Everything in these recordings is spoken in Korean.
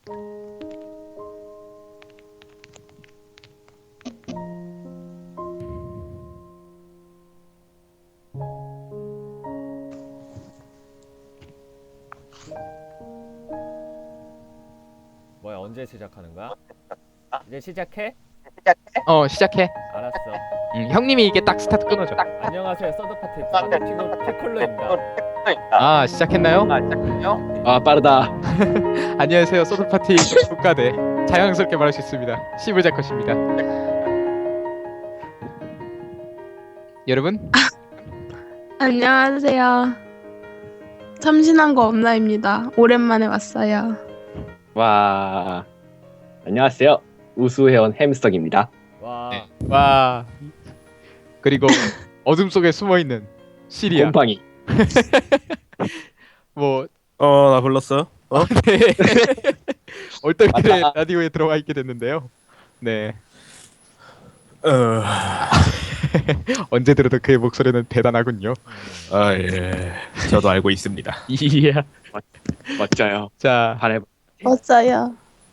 뭐야, 언제 시작하는 거야? 이제 시작해? 시작해. 알았어. 형님이 이게 딱 스타트 끊어줘. 안녕하세요, 서드파티 피콜로입니다. 시작했나요? 아 빠르다. 안녕하세요. 소드파티 국가대. 자연스럽게 말할 수 있습니다. 시브자컷입니다. 여러분, 안녕하세요. 참신한 거 없나입니다. 오랜만에 왔어요. 와 안녕하세요. 우수회원 햄스터입니다. 와, 와. 그리고 어둠 속에 숨어 있는 시리아. 곰팡이. 뭐 나 불렀어? 네. 얼떨결에 맞다. 라디오에 들어와 있게 됐는데요. 네. 어, 언제 들어도 그의 목소리는 대단하군요. 예. 저도 알고 있습니다. 이야. 멋져요. 자, 반해. 왔어요.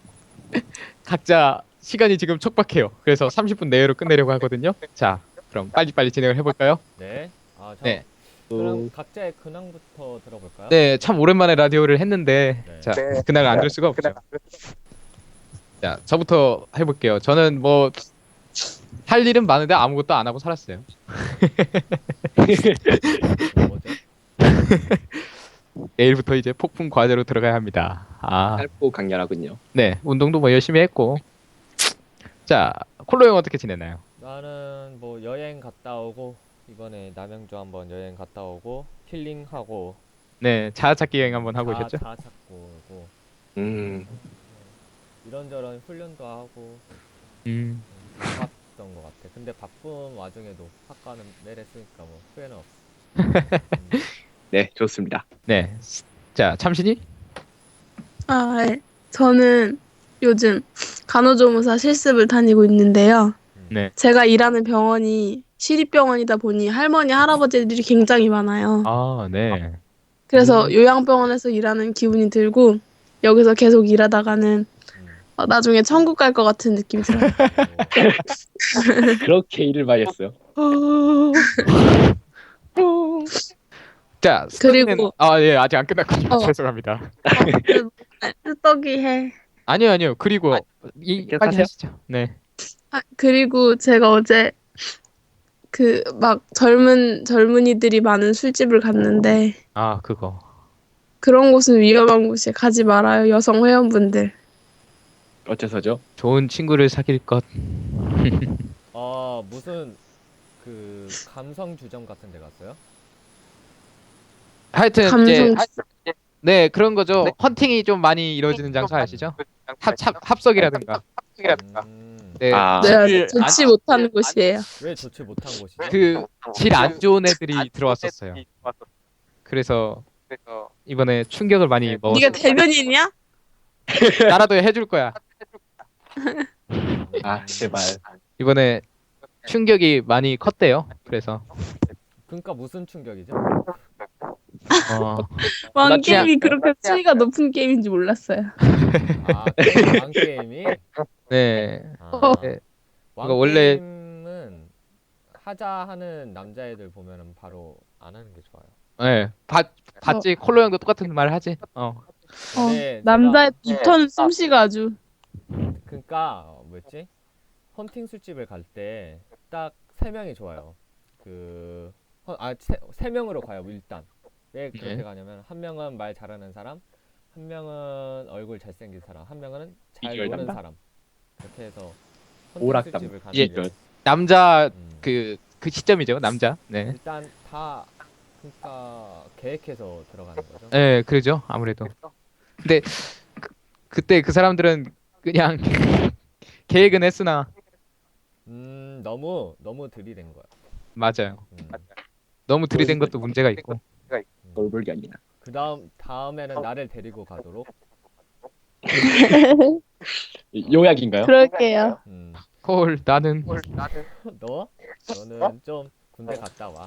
각자 시간이 지금 촉박해요. 그래서 30분 내외로 끝내려고 하거든요. 자, 그럼 빨리빨리 진행을 해볼까요? 네. 네. 그럼 각자의 근황부터 들어볼까요? 네, 참 오랜만에 라디오를 했는데 네. 자, 그날 안 들 수가 없죠. 자, 저부터 해볼게요. 저는 뭐 할 일은 많은데 아무것도 안 하고 살았어요. 뭐죠? 내일부터 이제 폭풍 과제로 들어가야 합니다. 짧고 강렬하군요. 네, 운동도 뭐 열심히 했고. 자, 콜로 형 어떻게 지냈나요? 나는 뭐 여행 갔다 오고 이번에 남양주 한번 여행 갔다 오고 힐링하고 네, 자아찾기 여행 한번 하고 오셨죠? 자 찾고 오고 이런저런 훈련도 하고 바빴던 것 같아. 근데 바쁜 와중에도 학과는 내렸으니까 뭐 후회는 없어. 네 좋습니다. 네. 자, 참신이? 네. 저는 요즘 간호조무사 실습을 다니고 있는데요. 네. 제가 일하는 병원이 시립병원이다 보니 할머니, 할아버지들이 굉장히 많아요. 네. 그래서 요양병원에서 일하는 기분이 들고 여기서 계속 일하다가는 나중에 천국 갈 것 같은 느낌이 들어요. 그렇게 일을 많이 했어요. 자, 그리고- 예, 아직 안 끝났군요. 죄송합니다. 떡이 해. 아니요. 그리고 빨리 계속하세요. 하시죠. 네. 그리고 제가 어제 그 막 젊은이들이 많은 술집을 갔는데 그거. 그런 곳은 위험한 곳이에 가지 말아요, 여성 회원분들. 어째서죠? 좋은 친구를 사귈 것. 무슨 그 감성 주점 같은 데 갔어요? 하여튼 감성 네, 그런 거죠. 헌팅이 좀 많이 이루어지는 장소 아시죠? 합석이라든가. 네. 네, 좋지 못하는 곳이에요. 왜 좋지 못한 곳이죠? 그 질 안 좋은 애들이 들어왔었어요. 그래서 이번에 충격을 많이 먹었어. 네가 대변인이야? 나라도 해줄 거야. 아 제발. 이번에 충격이 많이 컸대요. 그래서 그러니까 무슨 충격이죠? 왕 그냥- 게임이 그렇게 수위가 높은 게임인지 몰랐어요. 왕 게임이? 네. 네. 왕 그러니까 원래- 게임은 하자 하는 남자애들 보면은 바로 안 하는 게 좋아요. 네. 봤지? 콜로 형도 똑같은 말 하지? 근데 남자의 입터는 솜씨가 아주. 그러니까 뭐였지? 헌팅 술집을 갈 때 딱 3명이 좋아요. 세 명으로 가요 일단. 왜 그렇게 네. 가냐면 한 명은 말 잘하는 사람, 한 명은 얼굴 잘생긴 사람, 한 명은 잘 비주얼 노는 담당. 사람. 이렇게 해서 오락 헌팅 술집을 예. 가는데 남자 그 시점이죠. 남자. 네. 일단 다 그러니까 계획해서 들어가는 거죠. 네, 그러죠. 아무래도. 근데 그때 그 사람들은 그냥 계획은 했으나 너무 들이댄 거야. 맞아요. 너무 들이댄 것도 문제가 있고. 돌볼게 아니라. 다음에는 나를 데리고 가도록. 요약인가요? 그럴게요. 콜 나는 너는 좀 군대 갔다 와.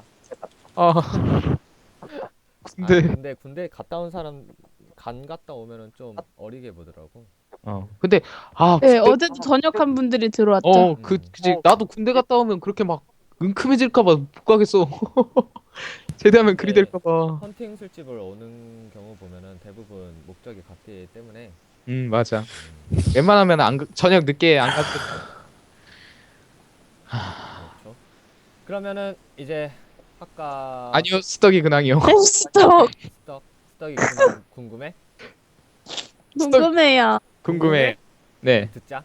근데 근데 군대 갔다 온 사람 갔다 오면은 좀 어리게 보더라고. 근데 네, 군대- 어제도 전역한 분들이 들어왔죠. 그지. 나도 군대 갔다 오면 그렇게 막 은큼해질까봐 못 가겠어. 제대하면 그리 네. 될까봐. 헌팅 술집을 오는 경우 보면은 대부분 목적이 같기 때문에 맞아. 웬만하면 저녁 늦게 안 갔을. 그렇죠. 그러면은 이제 아까 아니요, 스덕이 근황이요. 스톱. 스떡이 궁금해? 궁금해요. 궁금해. 네. 듣자.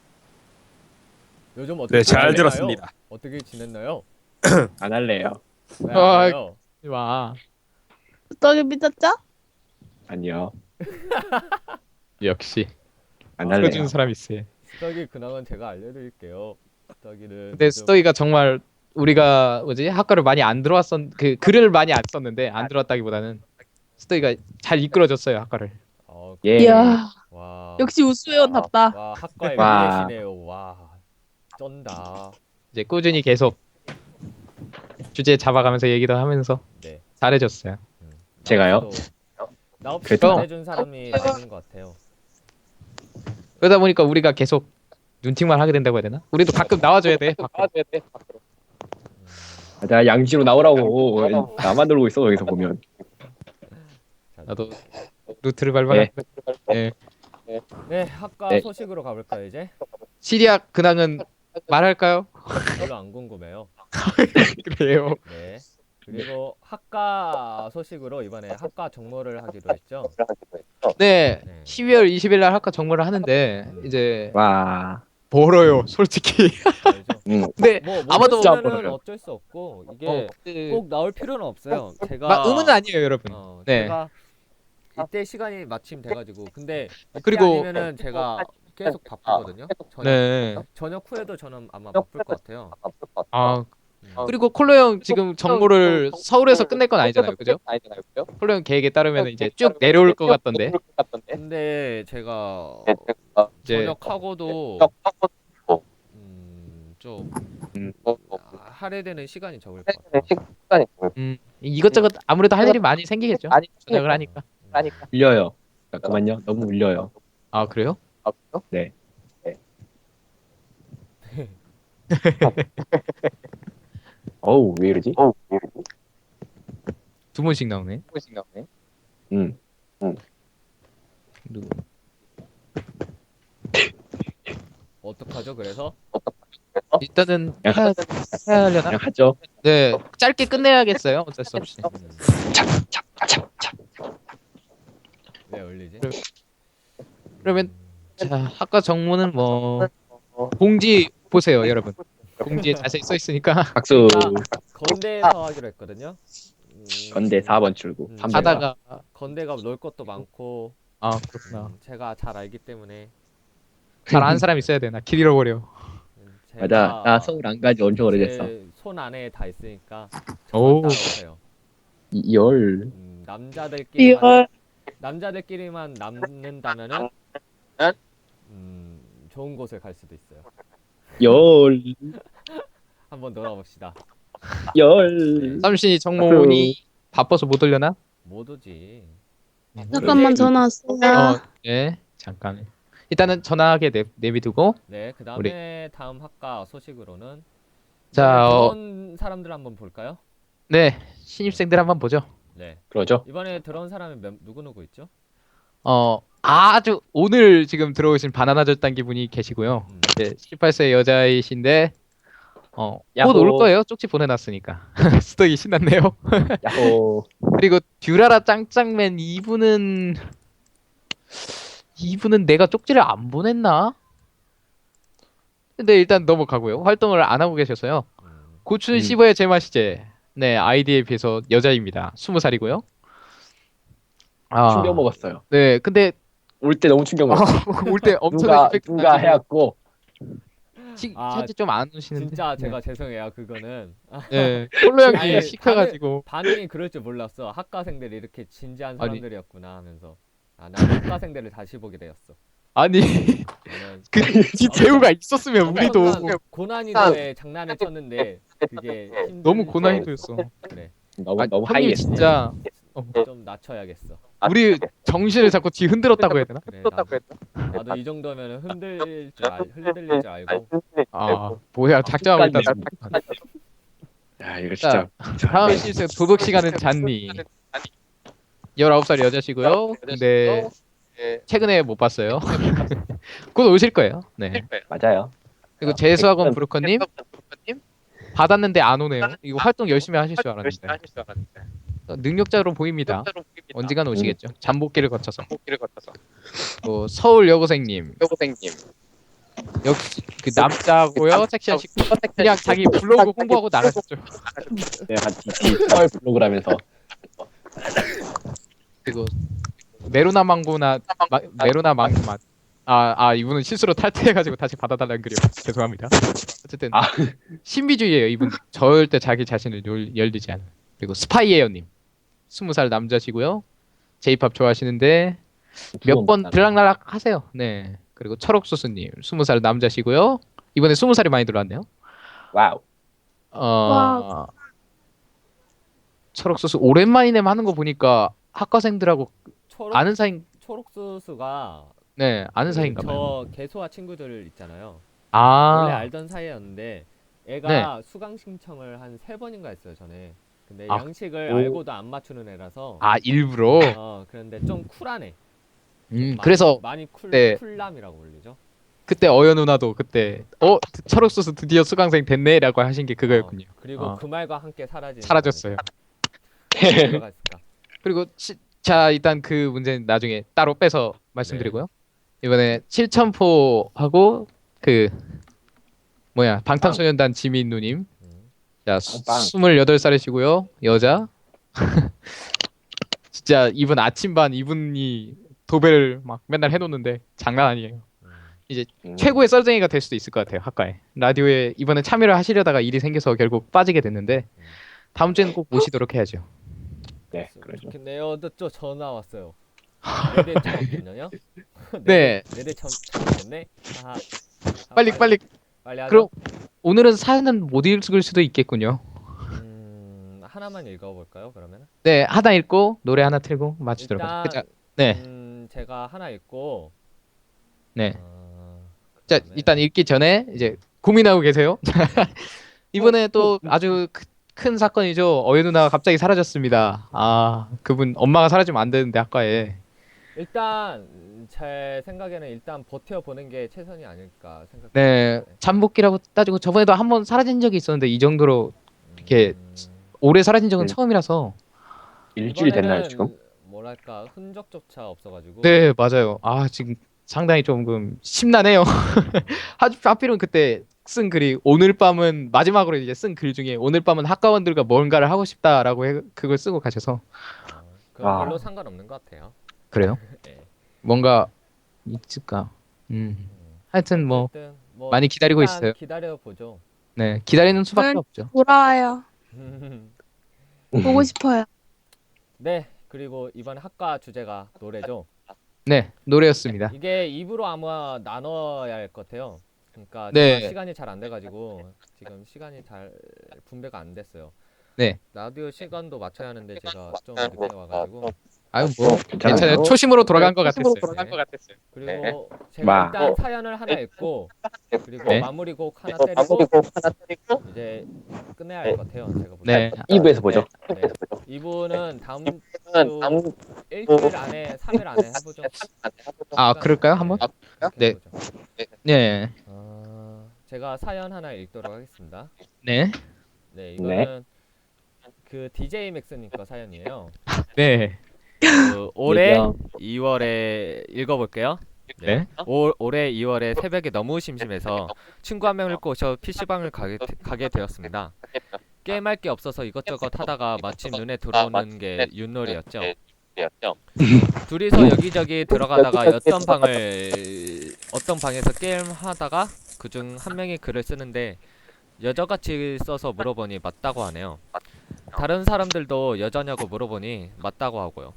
요즘 어떻게 네, 잘 지냈나요? 들었습니다. 어떻게 지냈나요? 안 할래요. 왜 아, 안 해요? 와. 스톱이 삐졌죠? 아니요. 역시 안 아, 할래요. 읽어주는 사람 있어요. 스떡이 근황은 제가 알려드릴게요. 스떡이는 근데 스덕이가 정말 우리가 뭐지 학과를 많이 안 그 글을 많이 안 썼는데 안 들어왔다기보다는 스덕이가 잘 이끌어줬어요 학과를. 예. 이야, 와, 역시 우수회원답다. 와 학과의 와. 미래시네요. 와, 쩐다. 이제 꾸준히 계속 주제 잡아가면서 얘기도 하면서 네. 잘해줬어요. 제가요? 나 없이 그래도- 잘해준 사람이 없는 것 같아요. 그러다 보니까 우리가 계속 눈팅만 하게 된다고 해야 되나? 우리도 가끔 나와줘야 돼. 나 양지로 나오라고. 나만 놀고 있어 여기서 보면. 나도 루트를 밟아야 돼. 네. 네, 학과 네. 소식으로 가볼까요 이제? 시리아 근황은 말할까요? 별로 안 궁금해요. 그래요. 네. 그리고 학과 소식으로 이번에 학과 정모를 하기로 했죠. 네. 네. 12월 20일 날 학과 정모를 하는데 이제 와. 멀어요, 솔직히. 알죠? 근데 뭐 아마도 못 안 보면은 보여요. 어쩔 수 없고 이게 그- 꼭 나올 필요는 없어요. 제가 막 의무는 아니에요, 여러분. 네. 제가 이때 시간이 마침 돼가지고 근데 이때 그리고- 아니면은 제가 계속 바쁘거든요. 네. 저녁 후에도 저는 아마 바쁠 것 같아요. 아, 그리고 콜로 형 지금 정모를 서울에서 끝낼 건 아니잖아요, 그죠? 콜로 형 계획에 따르면 이제 쭉 내려올 것 같던데. 근데 제가 이제 저녁하고도 좀 할애되는 시간이 적을 것 같아요. 이것저것 아무래도 할 일이 많이 생기겠죠. 저녁을 하니까. 울려요. 잠깐만요. 너무 울려요. 아, 그래요? 네. 어우 왜 이러지? 두 번씩 나오네. 응. 누구? 어떡하죠? 그래서 일단은 야. 해야 하려나? 그냥 하죠. 네, 짧게 끝내야겠어요. 어쩔 수 없이. 왜 올리지? 그러면 자, 학과 정모는 뭐 공지 보세요, 여러분. 공지에 자세히 써 있으니까 박수. 건대에서 하기로 했거든요. 건대 4번 출구. 음. 3번. 하다가 건대가 놀 것도 많고 그렇구나. 제가 잘 알기 때문에 잘 아는 사람 있어야 돼. 나 길 잃어버려. 맞아. 나 서울 안 가지 엄청 오래됐어. 손 안에 다 있으니까 오. 따라오세요. 2월. 남자들끼리만 남는다면은 좋은 곳을 갈 수도 있어요. 열. 한번 놀아봅시다. 열. 삼신이 정모니 바빠서 못 올려나? 못 오지. 잠깐만 전화 왔어요. 네. 잠깐. 일단은 전화하게 내비두고 네, 그 다음에 다음 학과 소식으로는 자, 들어온 사람들 한번 볼까요? 네. 신입생들 한번 보죠. 네, 그러죠. 이번에 들어온 사람이 누구 있죠? 아주 오늘 지금 들어오신 바나나 절단기 분이 계시고요. 네, 18세 여자이신데 곧 야호. 올 거예요. 쪽지 보내놨으니까. 스덕이 신났네요. 야호. 그리고 듀라라 짱짱맨 이분은 내가 쪽지를 안 보냈나? 근데 일단 넘어가고요. 활동을 안 하고 계셔서요. 고춘 씹어야 제맛이제. 네, 아이디에 비해서 여자입니다. 20살이고요. 충격 먹었어요. 네, 근데 올 때 너무 충격 먹었어. 올 때 엄청나게 누가 해갖고 사실 좀 안 오시는데. 진짜 제가 죄송해요. 그거는 네, 폴로 형이 아니, 시켜가지고. 반응이 그럴 줄 몰랐어. 학과생들이 이렇게 진지한 아니. 사람들이었구나 하면서 난 학과생들을 다시 보게 되었어. 아니 저는 그 제우가 있었으면 우리도 고난이도에 장난을 쳤는데 그게 힘든 너무 고난이도였어. 그래 너무 아니, 너무 형님 하이했어. 진짜 좀 낮춰야겠어. 우리 정신을 자꾸 뒤 흔들었다고 해야 되나? 그래, 나도 이 정도면 흔들릴 줄 알고. 아 뭐야 작정하고 있다. 야 이거 진짜. 다음 실수 도덕 시간은 잔니. 19살 여자시고요. 근데 최근에 못 봤어요. 곧 오실 거예요. 네. 맞아요. 그리고 재수학원 브로커님 받았는데 안 오네요. 이거 활동 열심히 하실 줄 알았는데. 능력자로 보입니다. 언젠간 오시겠죠. 잠복기를 거쳐서. 뭐 서울 여고생님. 역시 그 남자고요. 섹시하시고 그냥 자기 블로그 홍보하고 나가셨죠. 내가 디지털 블로그라면서. 그리고 메로나 망고나 메로나 망고만 이분은 실수로 탈퇴해가지고 다시 받아달라는 글이요. 죄송합니다. 어쨌든 신비주의예요. 이분 절대 자기 자신을 열리지 않아요. 그리고 스파이에어님 20살 남자시고요. J-pop 좋아하시는데 몇 번 들락날락 하세요. 네. 그리고 철옥소스님 20살 남자시고요. 이번에 20살이 많이 들어왔네요. 와우. 와우. 철옥소스 오랜만이네 하는 거 보니까 학과생들하고 초록 아는 사이 초록수수가 네 아는 사이인가 봐요. 저 개소와 친구들 있잖아요. 아 원래 알던 사이였는데 애가 수강 신청을 한 3번인가 했어요 전에. 근데 아, 양식을 오. 알고도 안 맞추는 애라서. 일부러. 그런데 좀 쿨하네. 그래서 많이 네. 쿨남이라고 불리죠. 그때 어여 누나도 그때 철옥소스 드디어 수강생 됐네라고 하신 게 그거였군요. 그리고 그 말과 함께 사라졌어요. 들어갔을까? 그리고 자 일단 그 문제는 나중에 따로 빼서 말씀드리고요. 이번에 7,000포하고 그 뭐야 방탄소년단 지민 누님. 자 28살이시고요. 여자. 진짜 이분 아침반 이분이 도배를 막 맨날 해놓는데 장난 아니에요. 이제 최고의 썰쟁이가 될 수도 있을 것 같아요. 학과에 라디오에 이번에 참여를 하시려다가 일이 생겨서 결국 빠지게 됐는데 다음 주에는 꼭 모시도록 해야죠. 네, 그러죠. 근데 또 전화 왔어요. 내대 처음 됐냐요? 네. 내대 처음 됐네. 빨리 하죠. 그럼 오늘은 사연은 못 읽을 수도 있겠군요. 하나만 읽어볼까요? 그러면? 네 하나 읽고 노래 하나 틀고 마치도록 일단 하죠. 네. 제가 하나 읽고. 네. 자 일단 읽기 전에 이제 고민하고 계세요. 이번에 또 아주 큰 사건이죠. 어예 누나가 갑자기 사라졌습니다. 그분 엄마가 사라지면 안 되는데 학과에. 일단 제 생각에는 일단 버텨보는 게 최선이 아닐까 생각합니다. 네 잠복기라고 따지고 저번에도 한 번 사라진 적이 있었는데 이 정도로 이렇게 오래 사라진 적은 처음이라서. 일주일 됐나요 이번에는 지금? 뭐랄까 흔적조차 없어가지고. 네 맞아요. 지금 상당히 조금 심란해요. 하필은 그때 쓴 글이 오늘 밤은 마지막으로 이제 쓴 글 중에 오늘 밤은 학과원들과 뭔가를 하고 싶다라고 그걸 쓰고 가셔서. 그건 별로 상관없는 것 같아요. 그래요? 네. 뭔가 있을까? 하여튼 뭐 많이 기다리고 있어요. 기다려 보죠. 네 기다리는 수밖에 없죠. 돌아와요. 보고 싶어요. 네, 그리고 이번 학과 주제가 노래죠. 네 노래였습니다. 이게 입으로 아마 나눠야 할 것 같아요. 그러니까 네. 제가 시간이 잘 안 돼가지고 지금 시간이 잘 분배가 안 됐어요. 네. 라디오 시간도 맞춰야 하는데 제가 좀 늦게 와가지고. 뭐 괜찮아요. 초심으로 돌아간 것 같았어요. 그리고 제가 일단 사연을 하나 읽고 그리고 마무리 곡 하나 때리고 이제 끝내야 할 것 같아요. 제가 보기엔. 네. 2부에서 보죠. 네. 이분은 다음 주 일주일 안에 3일 안에 해보죠. 그럴까요? 한번? 네. 네. 제가 사연 하나 읽도록 하겠습니다. 네. 네, 이거는 그 DJ 맥스님 거 사연이에요. 네. 올해 2월에 읽어볼게요. 네. 올해 2월에 새벽에 너무 심심해서 친구 한 명을 꼬셔 PC방을 가게 되었습니다. 게임할 게 없어서 이것저것 하다가 마침 눈에 들어오는 게 윷놀이였죠. 둘이서 여기저기 들어가다가 어떤 방에서 게임하다가 그중 한 명이 글을 쓰는데 여자같이 써서 물어보니 맞다고 하네요. 다른 사람들도 여자냐고 물어보니 맞다고 하고요.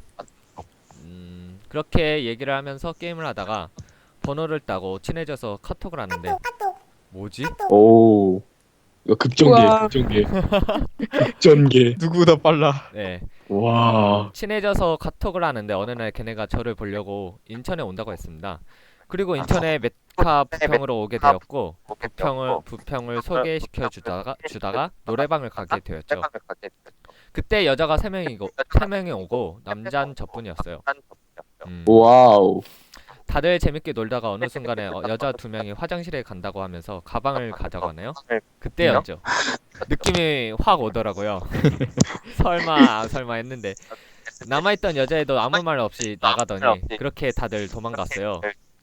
그렇게 얘기를 하면서 게임을 하다가 번호를 따고 친해져서 카톡을 하는데 뭐지? 오. 이거 급전개, 우와. 급전개. 급전개. 누구보다 빨라. 네. 와. 친해져서 카톡을 하는데 어느 날 걔네가 저를 보려고 인천에 온다고 했습니다. 그리고 인천에 메카 부평으로 오게 되었고 부평을 소개시켜 주다가 노래방을 가게 되었죠. 그때 여자가 3명이 오고 남자는 저뿐이었어요. 와우. 다들 재밌게 놀다가 어느 순간에 여자 2명이 화장실에 간다고 하면서 가방을 가져가네요. 그때였죠. 느낌이 확 오더라고요. 설마 했는데 남아있던 여자애도 아무 말 없이 나가더니 그렇게 다들 도망갔어요.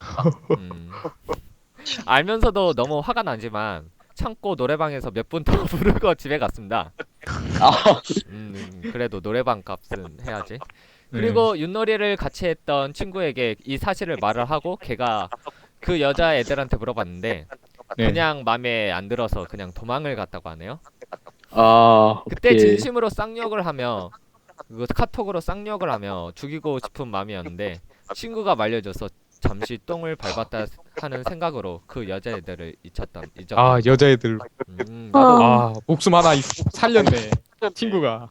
알면서도 너무 화가 나지만 참고 노래방에서 몇 분 더 부르고 집에 갔습니다. 그래도 노래방 값은 해야지. 그리고 윷놀이를 같이 했던 친구에게 이 사실을 말을 하고 걔가 그 여자애들한테 물어봤는데 네. 그냥 맘에 안 들어서 그냥 도망을 갔다고 하네요. 아, 그때 어떡해. 진심으로 쌍욕을 하며 카톡으로 쌍욕을 하며 죽이고 싶은 마음이었는데 친구가 말려줘서 잠시 똥을 밟았다 하는 생각으로 그 여자애들을 잊었다. 아 여자애들. 나도 아 목숨 하나 살렸네. 친구가.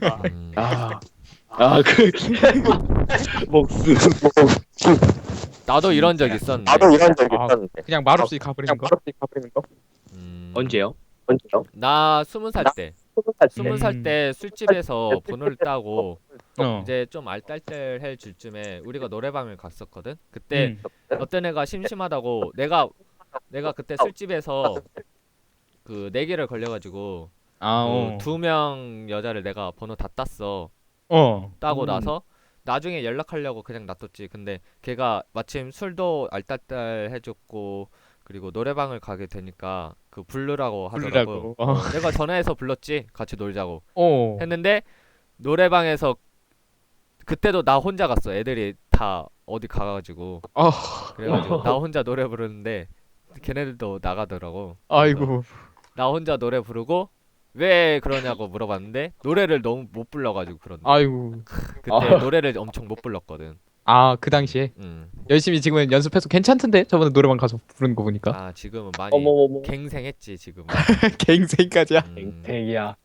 그 목숨. 나도 이런 적 있었는데. 아, 그냥 말없이 가버리는 거. 언제요? 나 20살 때. 20살 때 술집에서 번호를 따고 어. 이제 좀 알딸딸해질 쯤에 우리가 노래방을 갔었거든. 그때 어떤 애가 심심하다고 내가 그때 술집에서 그 내기를 걸려가지고 아, 그 2명 여자를 내가 번호 다 땄어. 따고 나서 나중에 연락하려고 그냥 놔뒀지. 근데 걔가 마침 술도 알딸딸해졌고 그리고 노래방을 가게 되니까 그 부르라고 하더라고. 부르라고. 내가 전화해서 불렀지. 같이 놀자고 어. 했는데 노래방에서 그때도 나 혼자 갔어. 애들이 다 어디 가가지고 그래가지고 나 혼자 노래 부르는데 걔네들도 나가더라고. 아이고. 나 혼자 노래 부르고 왜 그러냐고 물어봤는데 노래를 너무 못 불러가지고 그런데 아이고. 그때 노래를 엄청 못 불렀거든. 아 그 당시에 열심히 지금은 연습해서 괜찮던데 저번에 노래방 가서 부르는 거 보니까. 아 지금은 많이 어머머머. 갱생했지 지금은. 갱생까지야. 갱택이야.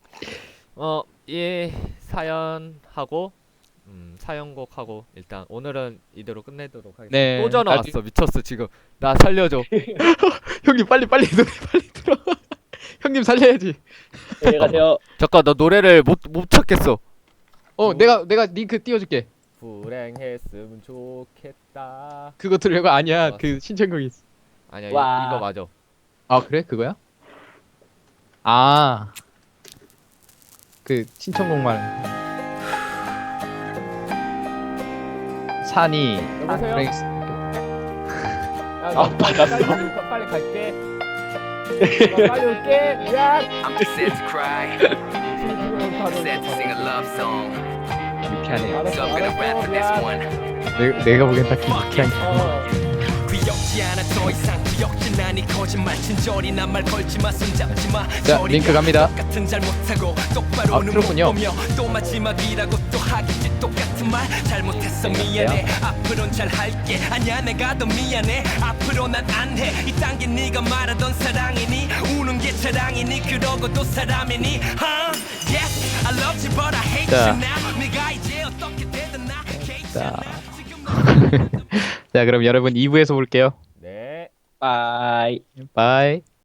이 사연하고 사연곡하고 일단 오늘은 이대로 끝내도록 하겠습니다. 네. 또 전화 왔어. 미쳤어 지금. 나 살려줘. 형님 빨리 노래 빨리 들어. 형님 살려야지. 안녕하세요. 잠깐 나 노래를 못 찾겠어. 내가 링크 띄워줄게. 불행했으면 좋겠다. 그거 들으려고 아니야. 알았어. 그 신청곡이 있어. 아니야 와. 이거 맞아. 아 그래 그거야? 아. 그 신청곡만. 산이. 여보세요? 브레이스. 야, 나 빨리 갈게. 나 빨리 올게. 야. I'm set to cry, set to sing a love song. 유쾌하네. So I'm gonna rap for this one. 내가 보기엔 딱히 유쾌한. 귀엽지 않아 더 이상 귀엽진 않니 거짓말 친절히 난 말 걸지마 손잡지 마. 자, 링크 갑니다. 똑같은 잘못하고 똑바로는 못 그렇군요. 보며 또 마지막이라고 또 하겠지 똑같은 말 잘못했어 미안해 앞으론 잘할게 아니야 내가 더 미안해 앞으로 난 안 해 이딴 게 네가 말하던 사랑이니 우는 게 자랑이니 그러고도 사람이니 Yes I love you but I hate 자. you now 네가 이제 어떻게 되든 나 자. 자, 그럼 여러분 2부에서 볼게요. 네. 바이. 바이.